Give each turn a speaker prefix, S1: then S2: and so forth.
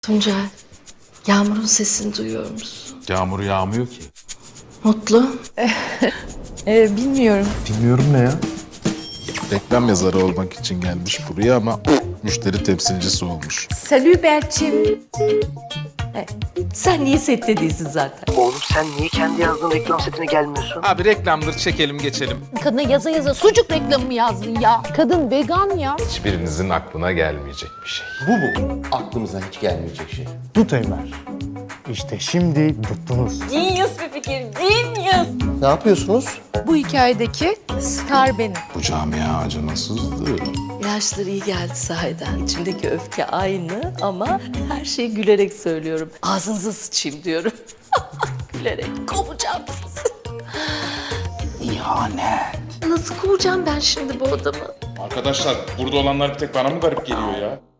S1: Tuncel, Yağmur'un sesini duyuyor musun?
S2: Yağmur yağmıyor ki.
S1: Mutlu.
S3: Bilmiyorum.
S2: Bilmiyorum ne ya? Reklam yazarı olmak için gelmiş buraya ama müşteri temsilcisi olmuş.
S3: Salü Berçin.
S1: Sen niye sette değilsin zaten?
S4: Oğlum sen niye kendi yazdığın reklam setine gelmiyorsun?
S2: Abi reklamdır, çekelim geçelim.
S3: Kadına yaza yaza sucuk reklamı mı yazdın ya? Kadın vegan ya.
S2: Hiçbirinizin aklına gelmeyecek bir şey.
S5: Bu mu? Aklımıza hiç gelmeyecek şey.
S6: Dut Ömer. İşte şimdi tuttunuz.
S3: Genius bir fikir, genius.
S5: Ne yapıyorsunuz?
S3: Bu hikayedeki star benim.
S2: Bu camia acımasızdı.
S1: İlaçları iyi geldi sahiden. İçimdeki öfke aynı ama her şeyi gülerek söylüyorum. Ağzınıza sıçayım diyorum. Gülerek kovacağım sizi.
S2: İhanet.
S1: Nasıl kovacağım ben şimdi bu adamı?
S7: Arkadaşlar burada olanlar bir tek bana mı garip geliyor ya?